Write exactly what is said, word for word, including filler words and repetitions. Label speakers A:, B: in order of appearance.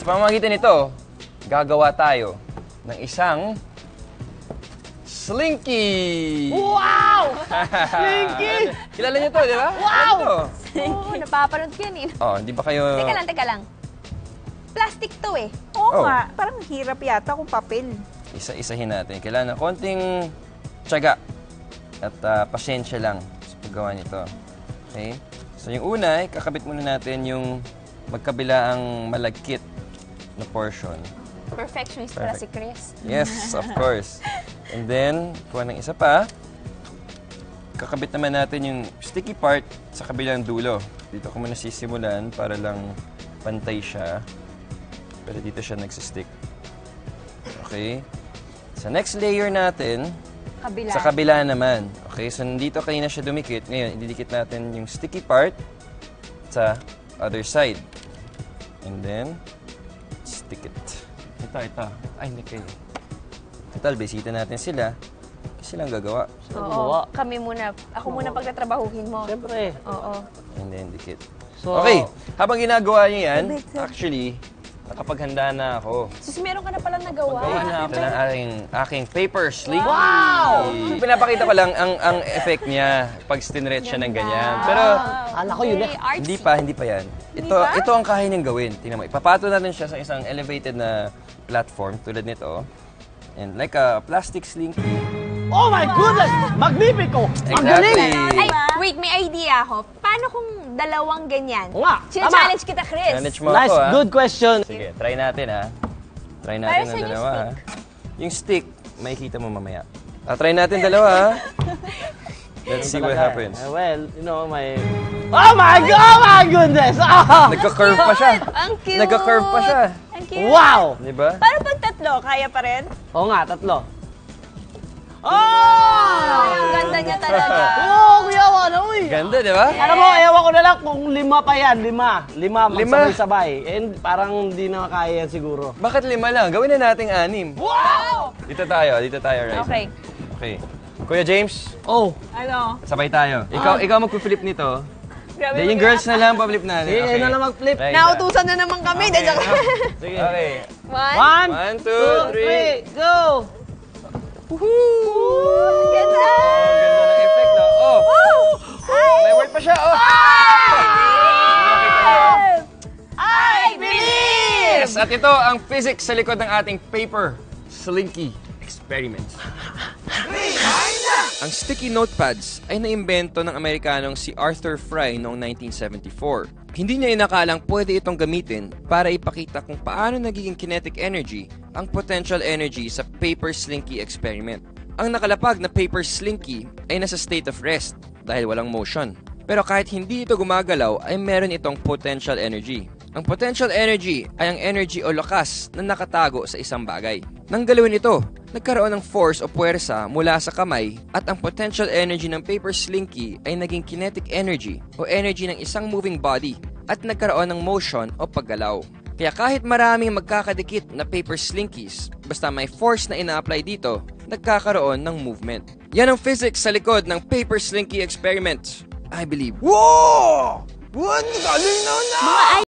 A: Sa pamamagitan nito, gagawa tayo ng isang Slinky!
B: Wow! Slinky!
A: Kilala niyo to, di ba?
B: Wow!
C: Oo, napapanood ko yan eh.
A: Oh, di ba kayo...
C: Teka lang, teka lang. Plastic to eh.
B: Oo
A: Oh.
B: nga, parang hirap yata kung papel.
A: Isa-isahin natin. Kailangan ng konting tiyaga at uh, pasyensya lang sa paggawa nito. Okay? So yung una, ay kakabit muna natin yung magkabilaang malagkit na portion.
C: Perfectionist pala si Chris.
A: Yes, of course. And then, kuha ng isa pa. Kakabit naman natin yung sticky part sa kabilang dulo. Dito ko muna sisimulan para lang pantay siya. Pero dito siya nagsistick. Okay? Sa next layer natin,
C: Kabila.
A: sa kabila naman. Okay, so nandito kanina siya dumikit. Ngayon, ididikit natin yung sticky part sa other side. And then, stick it. Ito, ito. Ay, hindi kayo. Total, bisita natin sila. Silang gagawa.
C: Oo, kami muna. Ako muna pagtatrabahuhin mo.
B: Siyempre.
C: Oo.
A: And then, dikit.
B: So,
A: Okay, habang ginagawa niyo yan, actually, nakapaghanda na ako.
C: Sus, meron ka na palang nagawa.
A: Gawa na ako ng aking, aking paper slinky. Wow! Pinapakita ko lang ang ang effect niya pag stinretch siya ng ganyan. Pero
B: Ala ko yun eh.
C: Very artsy.
A: hindi pa, hindi pa yan. Ito,
C: ba?
A: ito ang kaya niyang gawin. Tingnan mo, ipapato natin siya sa isang elevated na platform tulad nito. And like a plastic slinky.
B: Oh my goodness! Magnifico! Ang galing!
A: Exactly.
C: Ay, wait, may idea ako. Paano kung dalawang ganyan?
B: Oo nga,
C: Sina-challenge kita, Chris.
A: Challenge mo
B: Nice,
A: ako, ha?
B: good question.
A: Sige, try natin, ha? Try
C: Para
A: natin
C: saan
A: ang
C: yung
A: dalawa, ha? Yung stick, makikita mo mamaya. Ah, try natin dalawa, ha? Let's see what happens.
B: Eh, well, you know, my... Oh my God! Oh my goodness! Ah!
A: Nagka-curve pa siya.
C: Ang cute.
A: Nagka-curve pa siya.
C: Ang cute.
B: Wow!
A: Di ba?
C: Paano pag tatlo? Kaya pa rin?
B: Oo nga, tatlo. Oh!
C: Ay, ang ganda niya talaga.
B: Oh, kuyawa na, uy!
A: Ganda, di ba?
B: Alam mo, ewan ko na lang kung lima pa yan, lima. Lima,
A: Lima?
B: magsabay-sabay. And parang hindi na kaya yan siguro.
A: Bakit lima lang? Gawin na nating anim.
B: Wow!
A: Dito tayo, dito tayo, right?
C: Okay.
A: Okay. Kuya James,
B: Oh,
C: Ano?
A: sabay tayo. Ikaw, ikaw magpo-flip nito.
C: Grabe
A: Then yung girls na lang, pa-flip natin.
B: sige, okay. na lang mag-flip.
A: Right,
C: Nautusan na naman kami.
A: Okay.
C: Okay.
B: Sige.
A: Okay.
C: One.
B: One,
A: One, two,
B: two,
A: three.
B: three, go!
C: Woohoo! Ganda!
A: Oh, ganda ng effect, no? Oh! May word pa siya, oh!
C: I believe!
A: Yes, at ito ang physics sa likod ng ating paper slinky experiment. Ang sticky notepads ay naimbento ng Amerikanong si Arthur Fry noong nineteen seventy-four. Hindi niya inakalang pwede itong gamitin para ipakita kung paano nagiging kinetic energy ang potential energy sa paper slinky experiment. Ang nakalapag na paper slinky ay nasa state of rest dahil walang motion. Pero kahit hindi ito gumagalaw ay meron itong potential energy. Ang potential energy ay ang energy o lakas na nakatago sa isang bagay. Nang galawin ito, nagkaroon ng force o puwersa mula sa kamay at ang potential energy ng paper slinky ay naging kinetic energy o energy ng isang moving body at nagkaroon ng motion o paggalaw. Kaya kahit maraming magkakadikit na paper slinkies, basta may force na ina-apply dito, nagkakaroon ng movement. Yan ang physics sa likod ng paper slinky experiment. I believe. Whoa! What? Galing na na!